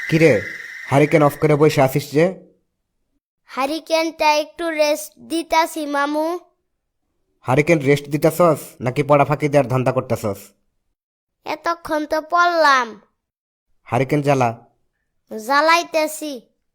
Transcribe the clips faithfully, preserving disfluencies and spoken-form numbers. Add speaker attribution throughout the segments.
Speaker 1: কিরে, hurricane of করে বসে আসিস যে?
Speaker 2: হারিকেনটা একটু রেস্ট দিতাছি মামু।
Speaker 1: হারিকেন রেস্ট দিতেছস নাকি পড়া ফাঁকি দেওয়ার ধান্দা করতেছস?
Speaker 2: এতক্ষণ তো পড়লাম,
Speaker 1: হারিকেন জ্বালা।
Speaker 2: জ্বালাইতেছি।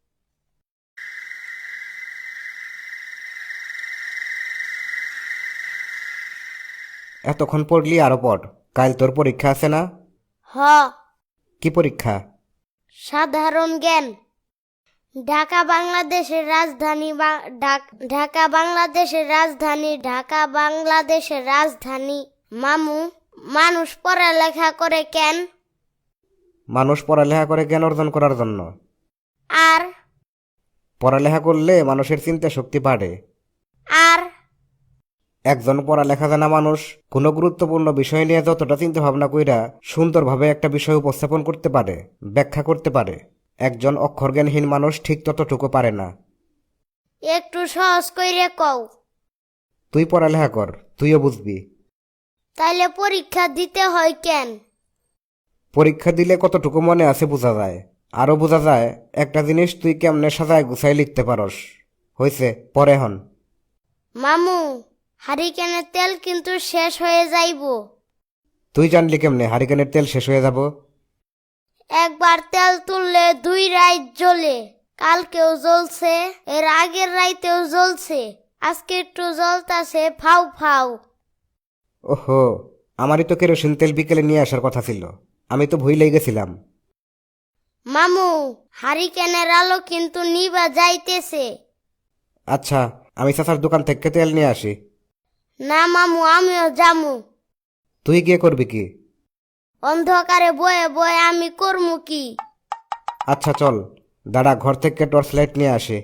Speaker 1: এতক্ষণ পড়লি আরো পড়, কাল তোর পরীক্ষা আছে না?
Speaker 2: হ,
Speaker 1: কি পরীক্ষা?
Speaker 2: সাধারণ জ্ঞান। ঢাকা বাংলাদেশের রাজধানী বা- ঢাক- ঢাকা বাংলাদেশের রাজধানী ঢাকা বাংলাদেশের রাজধানী। মামু, মানুষ পড়ালেখা করে কেন?
Speaker 1: মানুষ পড়ালেখা করে জ্ঞান অর্জন করার জন্য।
Speaker 2: আর
Speaker 1: পড়ালেখা করলে মানুষের চিন্তা শক্তি বাড়ে।
Speaker 2: আর
Speaker 1: একজন পড়ালেখা জানা মানুষ কোনো গুরুত্বপূর্ণ বিষয় নিয়ে যতটা চিন্তা ভাবনা কইরা সুন্দরভাবে একটা বিষয় উপস্থাপন করতে পারে, ব্যাখ্যা করতে পারে, একজন অক্ষরজ্ঞানহীন মানুষ ঠিক ততটুকু পারে না।
Speaker 2: একটু সহজ কইরে কও।
Speaker 1: তুই পড়ালেখা কর, তুইও বুঝবি।
Speaker 2: তাইলে পরীক্ষা দিতে হয় কেন?
Speaker 1: পরীক্ষা দিলে কতটুকু মনে আছে বোঝা যায়। আরো বোঝা যায় একটা জিনিস তুই কেমনে সাজায় গুছাই লিখতে পারস। হইছে, পরে হন।
Speaker 2: মামু, হারিকেনের তেল কিন্তু শেষ হয়ে যাইব।
Speaker 1: তুই জানলি কেমনে হারিকেনের তেল শেষ হয়ে যাব?
Speaker 2: একবার তেল তুললে দুই রাত জ্বলে। কালকেও জ্বলছে, এর আগের রাইতেও জ্বলছে, আজকে একটু জ্বলতাছে ফাউ ফাউ।
Speaker 1: ওহো, আমারই তো কেরোসিন তেল বিকেলে নিয়ে আসার কথা ছিল, আমি তো ভুলেই গেছিলাম।
Speaker 2: মামু, হারিকেনের আলো কিন্তু নিবা যাইতেছে।
Speaker 1: আচ্ছা, আমি চাচার দোকান থেকে তেল নিয়ে আসি।
Speaker 2: না মামু, আমিও যামু।
Speaker 1: তুই গিয়ে করবি কি?
Speaker 2: অন্ধকারে বয়ে বয়ে আমি করমু কি?
Speaker 1: আচ্ছা চল, দাদা ঘর থেকে টর্চ লাইট নিয়ে আসে।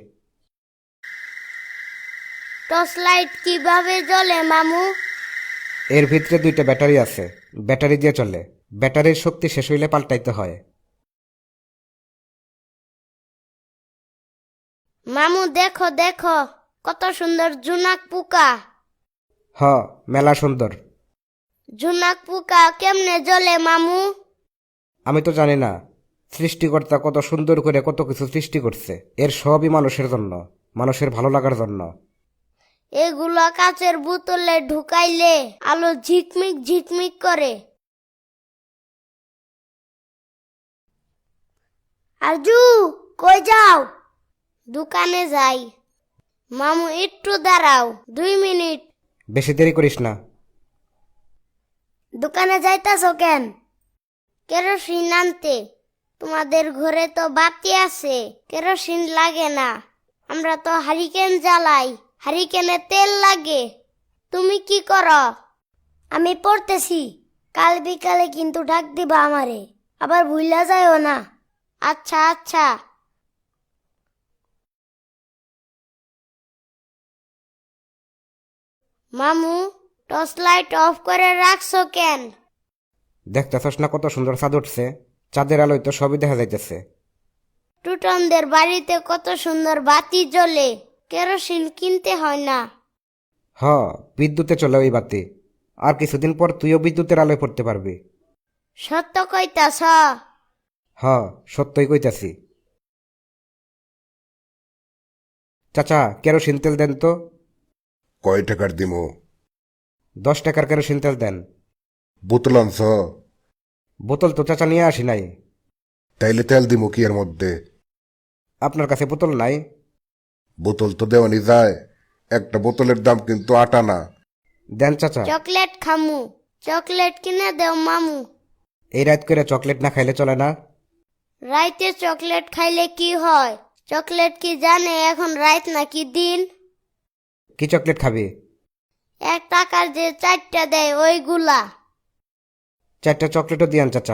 Speaker 2: টর্চ লাইট কিভাবে জ্বলে মামু?
Speaker 1: এর ভিতরে দুইটা ব্যাটারি আছে, ব্যাটারি দিয়ে চলে। ব্যাটারির শক্তি শেষ হইলে পাল্টাইতে হয়।
Speaker 2: মামু দেখো দেখো, কত সুন্দর জুনাক পোকা।
Speaker 1: হ, মেলা সুন্দর।
Speaker 2: জুনাক পোকা কেমনে জ্বলে মামু?
Speaker 1: আমি তো জানি না, সৃষ্টিকর্তা কত সুন্দর করে কত কিছু সৃষ্টি করছে, এর সবই মানুষের জন্য, মানুষের ভালো লাগার জন্য।
Speaker 2: এগুলো কাচের বোতলে ঢুকাইলে আলো ঝিকমিক ঝিকমিক করে। আরজু, কই যাও? দোকানে যাই। মামু একটু দাঁড়াও, দুই মিনিট।
Speaker 1: বেশি দেরি করিস না।
Speaker 2: দোকানে যাইতাছ কেন? কেরোসিন আনতে। তোমাদের ঘরে তো বাতি আছে, কেরোসিন লাগে না। আমরা তো হারিকেন জ্বালাই, হারিকেনে তেল লাগে। তুমি কি করো? আমি পড়তেছি। কাল বিকালে কিন্তু ডাক দিবা আমারে, আবার ভুইলা যাইও না। আচ্ছা আচ্ছা। মামু, টর্চ লাইট অফ করে রাখছো কেন?
Speaker 1: দেখতেছস না কত সুন্দর চাঁদ উঠছে? চাঁদের আলোয় তো সবই দেখা যাইতেছে।
Speaker 2: টুটনদের বাড়িতে কত সুন্দর বাতি জ্বলে, কেরোসিন কিনতে হয় না।
Speaker 1: হ, বিদ্যুতে চলে ওই বাতি। আর কিছুদিন পর তুইও বিদ্যুতের আলোয় পড়তে পারবি।
Speaker 2: সত্য কইতাছ?
Speaker 1: হ, সত্যই কইতাছি। চাচা, কেরোসিন তেল দেন তো।
Speaker 3: কয় টাকার দিমু?
Speaker 1: দশ টাকার কেরোসিন তেল দেন।
Speaker 3: বোতল আনছ?
Speaker 1: বোতল তো চাচা নিয়ে আসি নাই।
Speaker 3: তাইলে তেল দিমু কি এর মধ্যে?
Speaker 1: আপনার কাছে বোতল নাই?
Speaker 3: বোতল তো দেওয়ানি যায়, একটা বোতলের দাম কিন্তু আট আনা।
Speaker 1: দেন চাচা।
Speaker 2: চকলেট খামু, চকলেট কিনে দেও মামু।
Speaker 1: এই রাত করে চকলেট না খাইলে চলে না।
Speaker 2: রাইতে চকলেট খাইলে কি হয়? চকলেট কি জানে এখন রাত নাকি দিন?
Speaker 1: কি চকলেট খাবি?
Speaker 2: এক টাকার যে চারটা দেয় ওইগুলা।
Speaker 1: চারটা চকলেটও দিয়ান চাচা।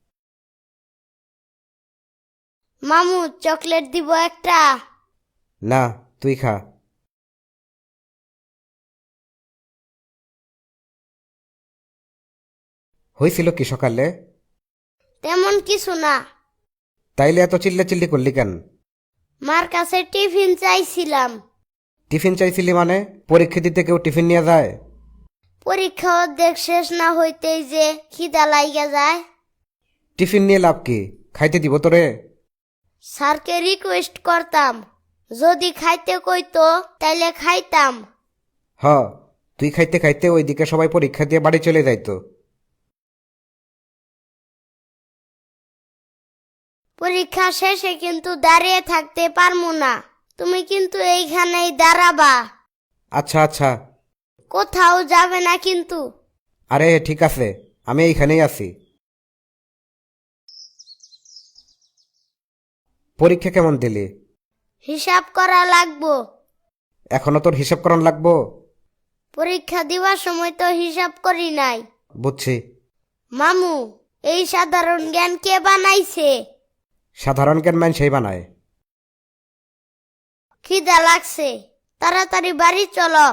Speaker 2: মামু, চকলেট দিব একটা।
Speaker 1: না, তুই খা। হয়েছিল কি সকালে?
Speaker 2: তেমন কিছু না।
Speaker 1: তাইলে এত চিল্লা চিল্লি করলি কেন?
Speaker 2: মার কাছে টিফিন চাইছিলাম।
Speaker 1: টিফিন চাইছিলি মানে? পরীক্ষা দিতে কেউ টিফিন নিয়ে যায়?
Speaker 2: পরীক্ষা অর্ধেক শেষ না হইতেই যে খিদা লাইগা যায়।
Speaker 1: টিফিন নিয়ে লাভ কি? খাইতে দিব তোরে?
Speaker 2: স্যারকে রিকোয়েস্ট করতাম, যদি খাইতে কইতো তাইলে খাইতাম।
Speaker 1: হ, তুই খাইতে খাইতে ওইদিকে সবাই পরীক্ষা দিয়ে বাড়ি চলে যাইতো।
Speaker 2: পরীক্ষা শেষে কিন্তু দাঁড়িয়ে থাকতে পারমু না, তুমি কিন্তু এইখানেই দাঁড়াবা,
Speaker 1: আচ্ছা আচ্ছা।
Speaker 2: কোথাও যাবে না কিন্তু।
Speaker 1: আরে ঠিক আছে, আমি এইখানেই আছি। পরীক্ষা কেমন দিলি?
Speaker 2: হিসাব করা লাগবো।
Speaker 1: এখনো তোর হিসাব করন লাগবো?
Speaker 2: পরীক্ষা দিবার সময় তো হিসাব করি নাই।
Speaker 1: বুঝছি।
Speaker 2: মামু, এই সাধারণ জ্ঞান কে বানাইছে?
Speaker 1: সাধারণ জ্ঞান মান সেই বানায়।
Speaker 2: খিদা লাগছে, তাড়াতাড়ি বাড়ি চলো।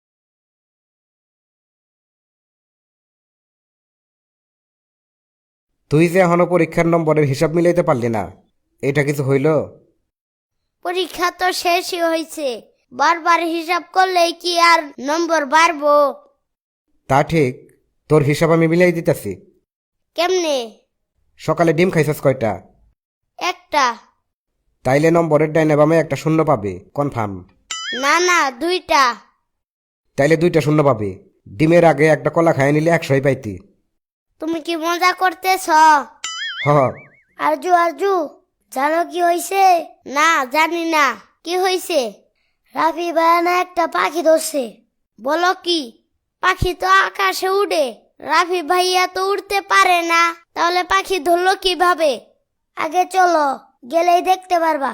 Speaker 1: তুই যে এখনো পরীক্ষার নম্বরের হিসাব মিলাইতে পারলি না, এটা কিছু হইল?
Speaker 2: পরীক্ষা তো শেষই হয়েছে, বারবার হিসাব করলেই কি আর নম্বর বাড়বো?
Speaker 1: তা ঠিক, তোর হিসাব আমি মিলাই দিতেছি।
Speaker 2: কেমনে?
Speaker 1: সকালে ডিম খাইছস কয়টা?
Speaker 2: একটা।
Speaker 1: তাইলে নম্বরের ডাইনে বামে একটা শূন্য পাবি, কনফার্ম?
Speaker 2: না না, দুইটা।
Speaker 1: তাইলে দুইটা শূন্য পাবি। ডিমের আগে একটা কলা খাইয়ে নিলে একশোই পাইতি।
Speaker 2: তুমি কি মজা করতেছ?
Speaker 1: হ।
Speaker 2: আরজু আরজু, জানো কি হইছে? না, জানি না। কি হইছে? রাফি ভাইয়া একটা পাখি ধরছে। বলো কি? পাখি তো আকাশে উড়ে, রাফি ভাইয়া তো উড়তে পারে না, তাহলে পাখি ধরলো কিভাবে? আগে চলো, গেলেই দেখতে পারবা।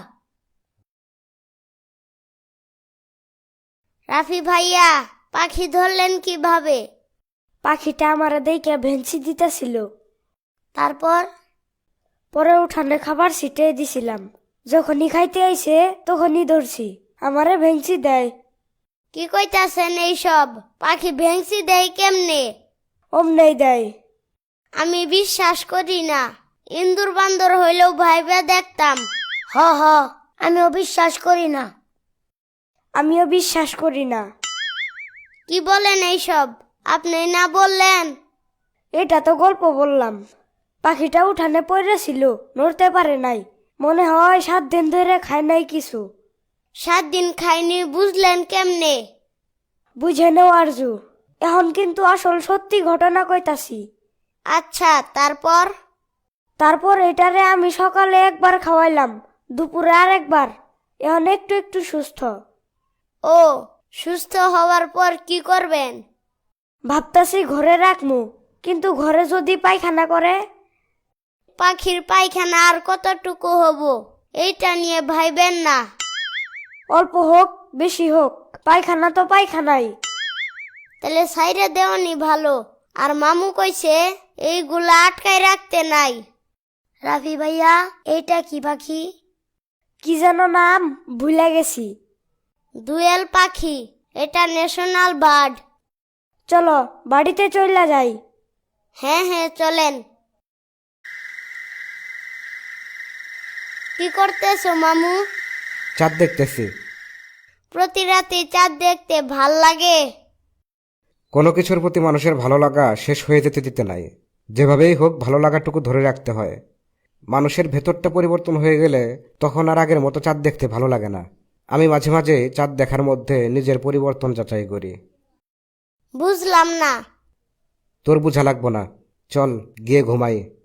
Speaker 2: রাফি ভাইয়া, পাখি ধরলেন কিভাবে?
Speaker 4: পাখিটা আমার দেখে ভেঞ্চি দিতেছিল,
Speaker 2: তারপর?
Speaker 4: পরে উঠানে খাবার ছিটিয়ে দিছিলাম, যখনই খাইতে আইছে তখনই ধরছি, আমারে ভেঞ্চি দেয়।
Speaker 2: কি কইতাছেন এইসব? পাখি ভেংসি দেয় কেমনে?
Speaker 4: অমনেই দেয়।
Speaker 2: আমি বিশ্বাস করি না। ইন্দুর বান্দর হইলেও ভাইবে দেখতাম। হ হ, আমিও বিশ্বাস করি না।
Speaker 4: আমিও বিশ্বাস করি না।
Speaker 2: কি বলেন এইসব? আপনি না বললেন?
Speaker 4: এটা তো গল্প বললাম। পাখিটা উঠানে পড়েছিল, নড়তে পারে নাই, মনে হয় সাত দিন ধরে খায় নাই কিছু।
Speaker 2: সাত দিন খাইনি বুঝলেন কেমনে?
Speaker 4: বুঝে নেও আরজু, এখন কিন্তু আসল সত্যি ঘটনা কইতাছি।
Speaker 2: আচ্ছা, তারপর?
Speaker 4: তারপর এটারে আমি সকালে একবার খাওয়াইলাম, দুপুরে আর একবার, এখন একটু একটু সুস্থ।
Speaker 2: ও, সুস্থ হওয়ার পর কি করবেন?
Speaker 4: ভাবতাছি ঘরে রাখমু, কিন্তু ঘরে যদি পায়খানা করে?
Speaker 2: পাখির পায়খানা আর কতটুকু হব, এইটা নিয়ে ভাইবেন না।
Speaker 4: অল্প হোক বেশি হোক, পায়খানা তো পায়খানাই।
Speaker 2: তাহলে সাইরে দেওয়ানি ভালো। আর মামু কইছে এইগুলা আটকায় রাখতে নাই। রাফি ভাইয়া, এইটা কি পাখি?
Speaker 4: কি যেন নাম ভুলে গেছি।
Speaker 2: দুয়েল পাখি, এটা ন্যাশনাল বার্ড।
Speaker 4: চলো বাড়িতে চইলা যাই।
Speaker 2: হ্যাঁ হ্যাঁ, চলেন। কি করতেছো মামু?
Speaker 1: চাঁদ দেখতেছি।
Speaker 2: প্রতি রাতে চাঁদ দেখতে ভাল লাগে?
Speaker 1: কোনো কিছুর প্রতি মানুষের ভালো লাগা শেষ হয়ে যেতে দিতে নাই। যেভাবেই হোক ভালো লাগাটুকু ধরে রাখতে হয়। মানুষের ভেতরটা পরিবর্তন হয়ে গেলে তখন আর আগের মতো চাঁদ দেখতে ভালো লাগে না। আমি মাঝে মাঝে চাঁদ দেখার মধ্যে নিজের পরিবর্তন যাচাই করি।
Speaker 2: বুঝলাম না।
Speaker 1: তোর বুঝা লাগবো না, চল গিয়ে ঘুমাই।